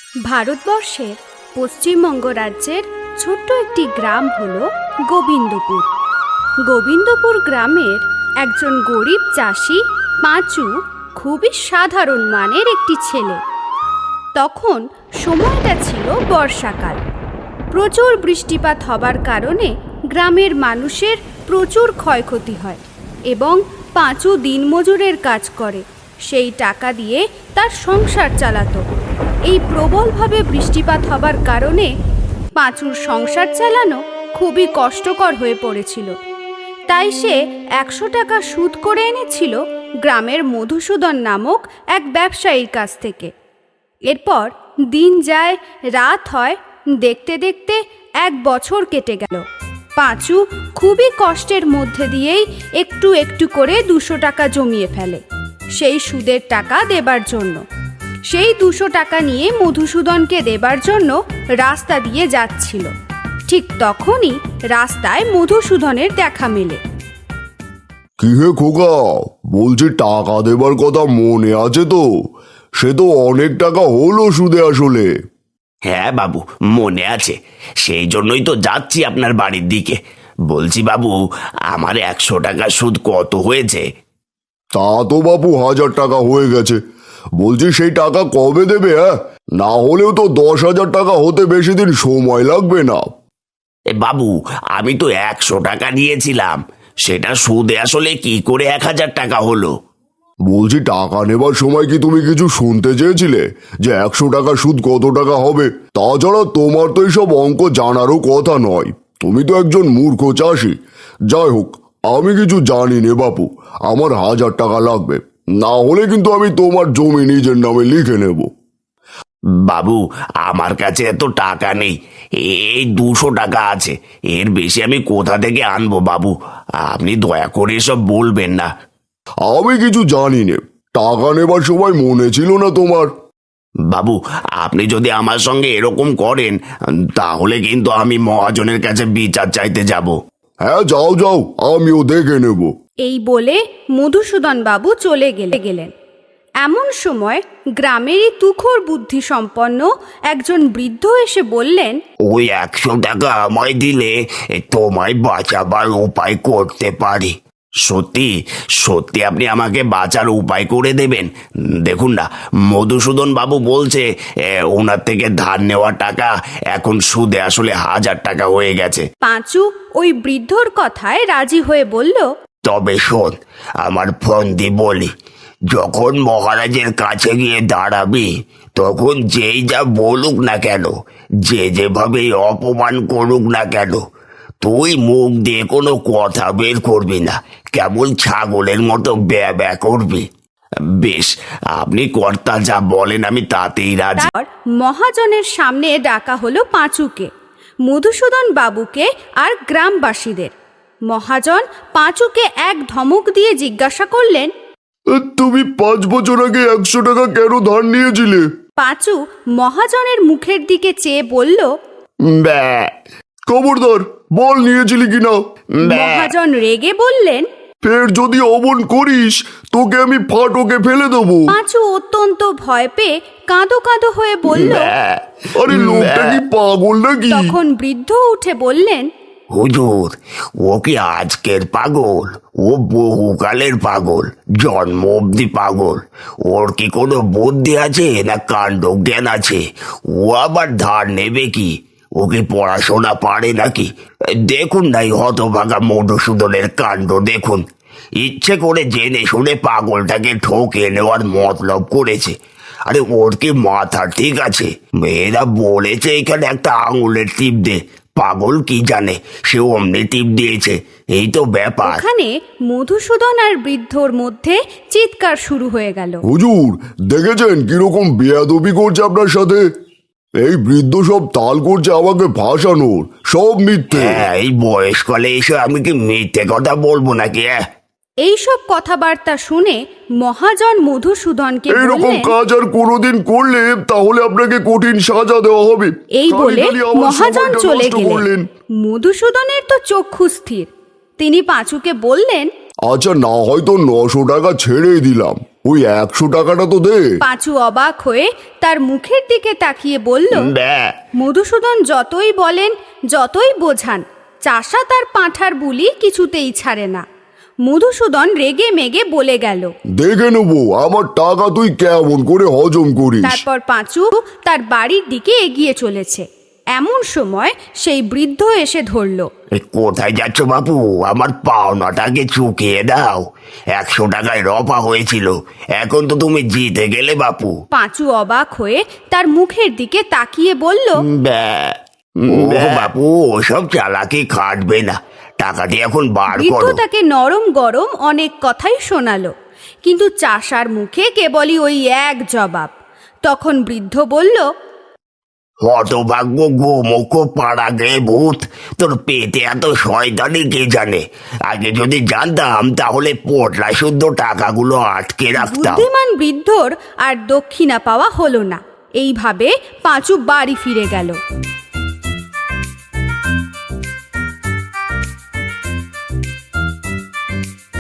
ভারতবর্ষের পশ্চিমবঙ্গ রাজ্যের ছোট্ট একটি গ্রাম হল গোবিন্দপুর। গোবিন্দপুর গ্রামের একজন গরিব চাষি পাঁচু খুবই সাধারণ মানের একটি ছেলে। তখন সময়টা ছিল বর্ষাকাল। প্রচুর বৃষ্টিপাত হবার কারণে গ্রামের মানুষের প্রচুর ক্ষয়ক্ষতি হয় এবং পাঁচু দিনমজুরের কাজ করে, সেই টাকা দিয়ে তার সংসার চালাতো। এই প্রবলভাবে বৃষ্টিপাত হবার কারণে পাঁচুর সংসার চালানো খুবই কষ্টকর হয়ে পড়েছিল। তাই সে 100 টাকা সুদ করে এনেছিল গ্রামের মধুসূদন নামক এক ব্যবসায়ীর কাছ থেকে। এরপর দিন যায়, রাত হয়, দেখতে দেখতে 1 বছর কেটে গেল। পাঁচু খুবই কষ্টের মধ্যে দিয়েই একটু একটু করে 200 টাকা জমিয়ে ফেলে সেই সুদের টাকা দেবার জন্য। সেই 200 টাকা নিয়ে মধুসূদনকে দেবার জন্য রাস্তা দিয়ে যাচ্ছিল। ঠিক তখনই রাস্তায় মধুসূদনের দেখা মেলে। কি হে খোকা, বলছি টাকা দেবার কথা মনে আছে তো? সে তো অনেক টাকা হলো সুদে আসলে। হ্যাঁ বাবু, মনে আছে, সেই জন্যই তো যাচ্ছি আপনার বাড়ির দিকে। বলছি বাবু, আমার 100 টাকা সুদ কত হয়েছে? তা তো বাবু 1000 টাকা হয়ে গেছে। বলছি সেই টাকা কবে দেবে? হ্যাঁ, না হলেও তো 10,000 টাকা হতে বেশি দিন সময় লাগবে না। বাবু, আমি তো 100 টাকা নিয়েছিলাম, সেটা সুদে আসলে কি করে 1000 টাকা হলো? বলছি টাকা নেবার সময় কি তুমি কিছু শুনতে চেয়েছিলে যে 100 টাকা সুদ কত টাকা হবে? তাছাড়া তোমার তো এইসব অঙ্ক জানারও কথা নয়, তুমি তো একজন মূর্খ চাষি। যাই হোক, আমি কিছু জানি নে বাপু, আমার 1000 টাকা লাগবে, না হলে কিন্তু আমি তোমার জমি নিজের নামে লিখে নেব। বাবু, আমার কাছে এত টাকা নেই, এই 200 টাকা আছে, এর বেশি আমি কোথা থেকে আনবো বাবু? আপনি দয়া করে এসব বলবেন না। আমি কিছু জানি নে, টাকা নেবার সময় মনে ছিল না তোমার? বাবু, আপনি যদি আমার সঙ্গে এরকম করেন তাহলে কিন্তু আমি মহাজনের কাছে বিচার চাইতে যাব। হ্যাঁ, যাও যাও, আমিও দেখে নেব। এই বলে মধুসূদন বাবু চলে গেলেন। এমন সময় গ্রামেরই তুখোর বুদ্ধি সম্পন্ন একজন বৃদ্ধ এসে বললেন, ওই 100 টাকা আমায় দিলে তোমায় বাঁচাবার উপায় করতে পারি। সত্যি সত্যি আপনি আমাকে বাঁচার উপায় করে দেবেন? দেখুন না, মধুসূদন বাবু বলছে ওনার থেকে ধার নেওয়া টাকা এখন সুদে আসলে 1000 টাকা হয়ে গেছে। পাঁচু ওই বৃদ্ধর কথায় রাজি হয়ে বলল, তবে শোন, আমার ফন্দি বলি, যখন মহারাজের কাছে গিয়ে দাঁড়াবি তখন যেই যা বলুক না কেন, যে যেভাবে অপমান করুক না কেন, তুই মুখ দিয়ে কোনো কথা বের করবি না, কেবল ছাগলের মতো ব্যা ব্যা করবি। বেশ, আপনি কর্তা যা বলেন আমি তাতেই রাজি। তারপর মহাজনের সামনে ডাকা হলো পাঁচুকে, মধুসূদন বাবুকে আর গ্রামবাসীদের। মহাজন পাঁচুকে এক ধমক দিয়ে জিজ্ঞাসা করলেন, তুমি 5 বছর আগে 100 টাকা কেন ধার নিয়েছিলে? পাঁচু মহাজনের মুখের দিকে চেয়ে বলল, ব্যা খবরদার বল, নিয়েছিলি কিনা? ব্যা মহাজন রেগে বললেন, ফের যদি অমন করিস তোকে আমি ফাটকে ফেলে দেবো। পাঁচু অত্যন্ত ভয় পেয়ে কাঁদো কাঁদো হয়ে বলল। আরে লোকটা কি পাগল নাকি? তখন বৃদ্ধ উঠে বললেন, হুজুর, ও কি আজকের পাগল? ও বহুকালের পাগল, জন্ম অব্দি পাগল। ওর কি কোনো বুদ্ধি আছে না কাণ্ড জ্ঞান আছে? ও আবার ধার নেবে কি? ও কি পড়াশোনা পারে নাকি? দেখুন না এই হতভাগা মধুসূদনের কাণ্ড দেখুন, ইচ্ছে করে জেনে শুনে পাগলটাকে ঠকে নেওয়ার মতলব করেছে। আরে ওর কি মাথা ঠিক আছে? মেয়েরা বলেছে এখানে একটা আঙুলের টিপ দে, পাগল কি জানে, সে অমনি টিপ দিয়েছে, এই তো ব্যাপার। ওখানে মধুসূদন আর বৃদ্ধর মধ্যে চিৎকার শুরু হয়ে গেল। হুজুর, দেখেছেন কিরকম বেয়াদবি করছে আপনার সাথে? এই বৃদ্ধ সব তাল করছে আমাকে ফাঁসানোর, সব মিথ্যে। হ্যাঁ, এই বয়সকালে এসে আমি কি মিথ্যে কথা বলবো নাকি? এইসব কথাবার্তা শুনে মহাজন মধুসূদনকে এইরকম বললেন, কাজ আর কোনোদিন করলে তাহলে আপনাকে কঠিন সাজা দেওয়া হবে। এই বলে খালি আমার মহাজন সময়টা চলে নষ্ট গেলেন। করলেন। মধুসূদনের তো চক্ষু স্থির। তিনি পাঁচুকে বললেন, আচ্ছা না হয়তো 900 টাকা ছেড়েই দিলাম, ওই 100 টাকাটা তো দে। পাঁচু অবাক হয়ে তার মুখের দিকে তাকিয়ে বলল, ব্যাহ, মধুসূদন যতই বলেন, যতই বোঝান, চাষা তার পাঁঠার বুলি কিছুতেই ছাড়ে না। মধুসূদন রেগে মেগে বলে গেল। দেখে নেবো আমার টাকা তুই কেমন করে হজম করিস। তারপর পাঁচু তার বাড়ির দিকে এগিয়ে চলেছে। এমন সময় সেই বৃদ্ধ এসে ধরল। কোথায় যাচ্ছ বাপু? আমার পাওনাটাকে চুকিয়ে দাও। 100 টাকায় রপা হয়েছিল, এখন তো তুমি জিতে গেলে বাপু। পাঁচু অবাক হয়ে তার মুখের দিকে তাকিয়ে বলল, ব্যাহ, ও বাপু, ওসব চালাকি খাটবে না, টাকাটি এখন বার বৃদ্ধ করো। তাকে নরম গরম অনেক কথাই শোনালো, কিন্তু চাষার মুখে কেবলই ওই এক জবাব। তখন বৃদ্ধ বলল, হতভাগ্য গোমুখ পাড়াগে ভূত, তোর পেটে এত শয়তানি কে জানে? আগে যদি জানতাম তাহলে পোটলা শুদ্ধ টাকাগুলো আটকে রাখতাম। বুদ্ধিমান বৃদ্ধর আর দক্ষিণা পাওয়া হলো না। এইভাবে পাঁচু বাড়ি ফিরে গেল।